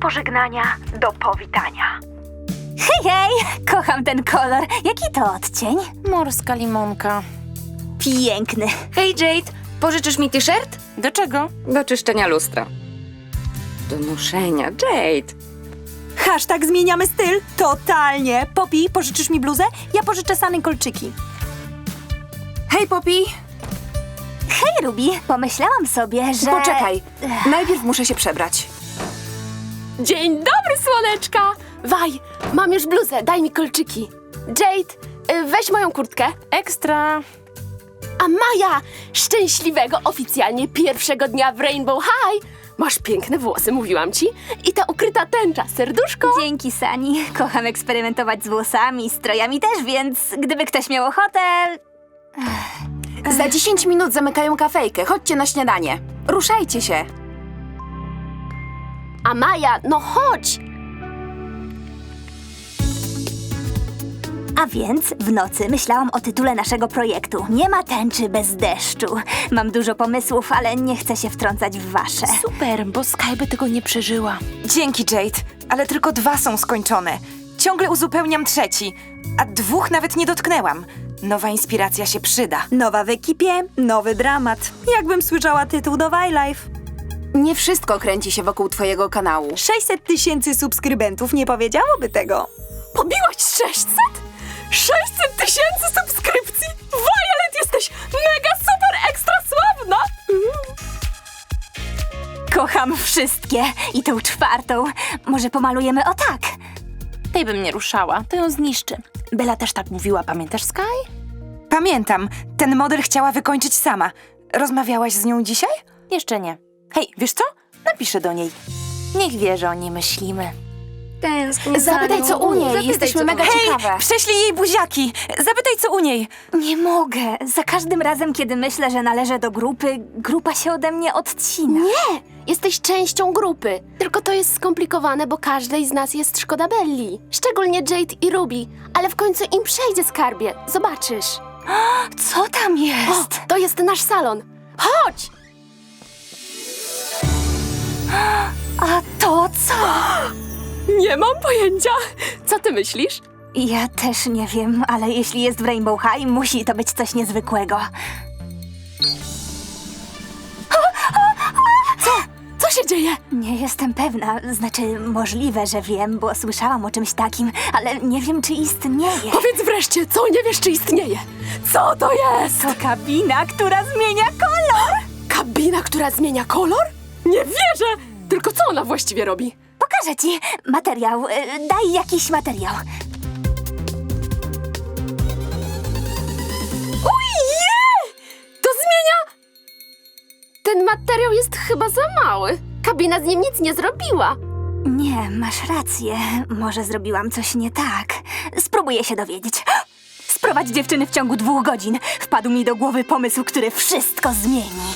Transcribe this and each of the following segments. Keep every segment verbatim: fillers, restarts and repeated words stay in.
pożegnania do powitania. Hej, hej! Kocham ten kolor. Jaki to odcień? Morska limonka. Piękny. Hej Jade, pożyczysz mi t-shirt? Do czego? Do czyszczenia lustra. Do noszenia, Jade. Hashtag zmieniamy styl? Totalnie. Poppy, pożyczysz mi bluzę? Ja pożyczę Sany kolczyki. Hej, Poppy! Hej, Ruby. Pomyślałam sobie, że... Poczekaj. Najpierw muszę się przebrać. Dzień dobry, słoneczka! Waj, mam już bluzę, daj mi kolczyki. Jade, y, weź moją kurtkę. Ekstra. A Maja, szczęśliwego oficjalnie pierwszego dnia w Rainbow High. Masz piękne włosy, mówiłam ci. I ta ukryta tęcza, serduszko. Dzięki, Sani. Kocham eksperymentować z włosami, strojami też, więc gdyby ktoś miał ochotę... Za dziesięć minut zamykają kafejkę. Chodźcie na śniadanie. Ruszajcie się. A Maja, no chodź! A więc w nocy myślałam o tytule naszego projektu. Nie ma tęczy bez deszczu. Mam dużo pomysłów, ale nie chcę się wtrącać w wasze. Super, bo Sky by tego nie przeżyła. Dzięki, Jade, ale tylko dwa są skończone. Ciągle uzupełniam trzeci, a dwóch nawet nie dotknęłam. Nowa inspiracja się przyda. Nowa w ekipie, nowy dramat. Jakbym słyszała tytuł do Wildlife. Nie wszystko kręci się wokół twojego kanału. sześćset tysięcy subskrybentów nie powiedziałoby tego. Pobiłaś sześćset? sześćset tysięcy subskrypcji? Violet, jesteś mega super ekstra sławna! Kocham wszystkie. I tą czwartą. Może pomalujemy o tak. Tej bym nie ruszała, to ją zniszczy. Bella też tak mówiła, pamiętasz, Sky? Pamiętam, ten model chciała wykończyć sama. Rozmawiałaś z nią dzisiaj? Jeszcze nie. Hej, wiesz co? Napiszę do niej. Niech wie, że o niej myślimy. Tęsknię Zapytaj, co u niej. Jesteśmy mega ciekawe. Prześlij jej buziaki! Zapytaj, co u niej. Nie mogę. Za każdym razem, kiedy myślę, że należę do grupy, grupa się ode mnie odcina. Nie, jesteś częścią grupy. Tylko to jest skomplikowane, bo każdej z nas jest szkoda Belli. Szczególnie Jade i Ruby. Ale w końcu im przejdzie, skarbie. Zobaczysz. Co tam jest? O, to jest nasz salon. Chodź! A to co? Nie mam pojęcia. Co ty myślisz? Ja też nie wiem, ale jeśli jest w Rainbow High, musi to być coś niezwykłego. Co się dzieje? Nie jestem pewna, znaczy możliwe, że wiem, bo słyszałam o czymś takim, ale nie wiem, czy istnieje. Powiedz wreszcie, co nie wiesz, czy istnieje. Co to jest? To kabina, która zmienia kolor! Kabina, która zmienia kolor? Nie wierzę! Tylko co ona właściwie robi? Pokażę ci materiał, y, daj jakiś materiał. Ojej! To zmienia... Ten materiał jest chyba za mały. Kabina z nim nic nie zrobiła. Nie, masz rację, może zrobiłam coś nie tak. Spróbuję się dowiedzieć. Sprowadź dziewczyny w ciągu dwóch godzin. Wpadł mi do głowy pomysł, który wszystko zmieni.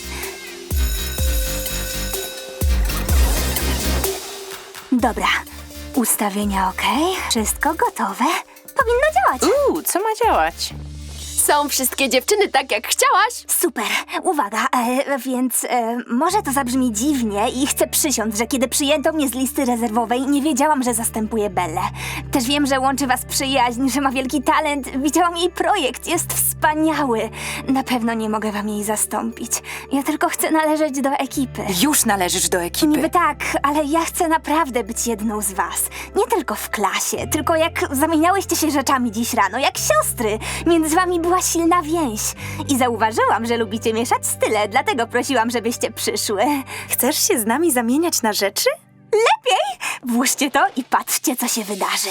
Dobra, ustawienia ok, wszystko gotowe. Powinno działać. Uuu, co ma działać? Są wszystkie dziewczyny tak, jak chciałaś. Super, uwaga, e, więc e, może to zabrzmi dziwnie i chcę przysiąc, że kiedy przyjęto mnie z listy rezerwowej, nie wiedziałam, że zastępuję Bellę. Też wiem, że łączy was przyjaźń, że ma wielki talent. Widziałam jej projekt, jest wspaniały. Na pewno nie mogę wam jej zastąpić. Ja tylko chcę należeć do ekipy. Już należysz do ekipy. Niby tak, ale ja chcę naprawdę być jedną z was. Nie tylko w klasie, tylko jak zamieniałyście się rzeczami dziś rano, jak siostry. Między wami była silna więź. I zauważyłam, że lubicie mieszać style, dlatego prosiłam, żebyście przyszły. Chcesz się z nami zamieniać na rzeczy? Włóżcie to i patrzcie, co się wydarzy.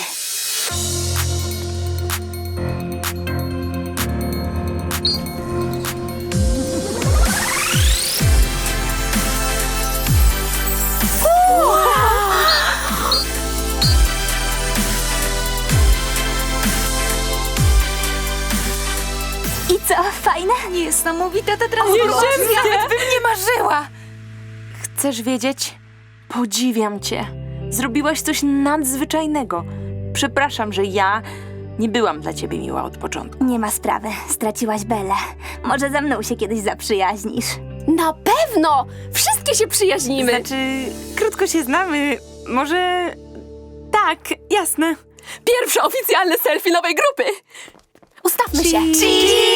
I co, fajne? Niesamowita ta transformacja. Nawet bym nie marzyła. Chcesz wiedzieć? Podziwiam cię. Zrobiłaś coś nadzwyczajnego. Przepraszam, że ja nie byłam dla ciebie miła od początku. Nie ma sprawy, straciłaś Bellę. Może ze mną się kiedyś zaprzyjaźnisz. Na pewno! Wszystkie się przyjaźnimy. Znaczy, krótko się znamy. może... Tak, jasne. Pierwsze oficjalne selfie nowej grupy! Ustawmy się! Cheese!